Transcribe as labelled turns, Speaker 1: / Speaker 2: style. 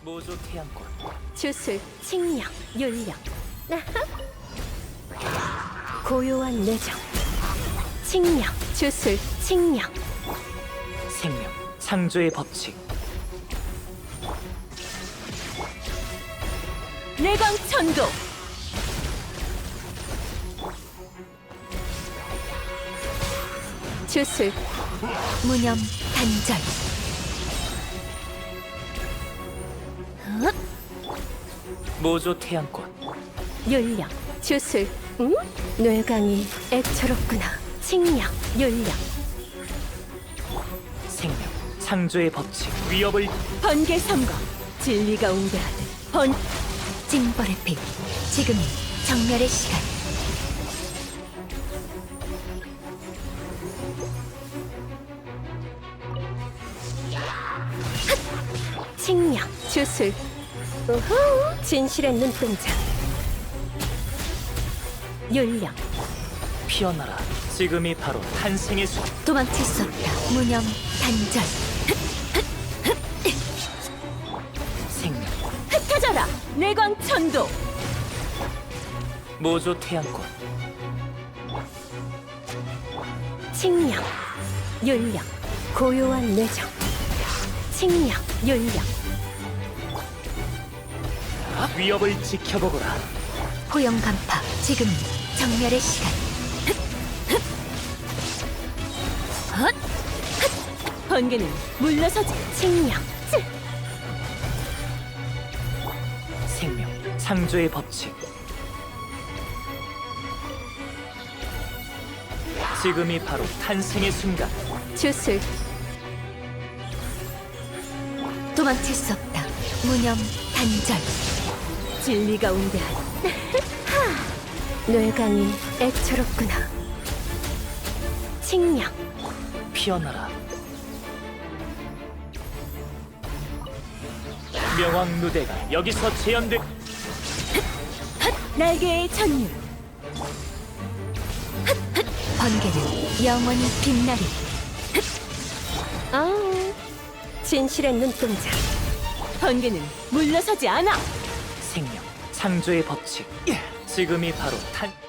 Speaker 1: 모조 태양권.
Speaker 2: 주술, 칭령, 윤령. 고요한 내정. 칭령, 주술, 칭령.
Speaker 1: 생명, 창조의 법칙.
Speaker 2: 내광천도. 주술, 무념, 단절.
Speaker 1: 모조 태양권.
Speaker 2: 윤령, 주술. 응? 뇌강이 애처롭구나. 칭령, 윤령.
Speaker 1: 생명, 창조의 법칙. 위협을
Speaker 2: 번개 선거. 진리가 웅대하듯 번. 징벌의 피. 지금이 정멸의 시간. 칭령, 주술. 우후, 진실의 눈동자. 윤령.
Speaker 1: 피어나라. 지금이 바로 탄생의 순.
Speaker 2: 도망칠 수 없다. 무념, 단절.
Speaker 1: 생명,
Speaker 2: 흩어져라. 내광천도.
Speaker 1: 모조 태양권.
Speaker 2: 칭령, 윤령. 고요한 내정. 칭령, 윤령.
Speaker 1: 위협을 지켜보거라.
Speaker 2: 포영 간파. 지금이 정멸의 시간. 번개는 물러서지. 칭령.
Speaker 1: 생명, 창조의 법칙. 지금이 바로 탄생의 순간.
Speaker 2: 주술. 도망칠 수 없다. 무념, 단절. 진리가 웅대하다. 뇌강이 애처롭구나. 칭령.
Speaker 1: 피어나라. 명왕 누대가 여기서 재현돼.
Speaker 2: 날개의 전율. 번개는 영원히 빛나리. 진실의 눈동자. 번개는 물러서지 않아.
Speaker 1: 생명, 창조의 법칙. 지금이 바로 탄.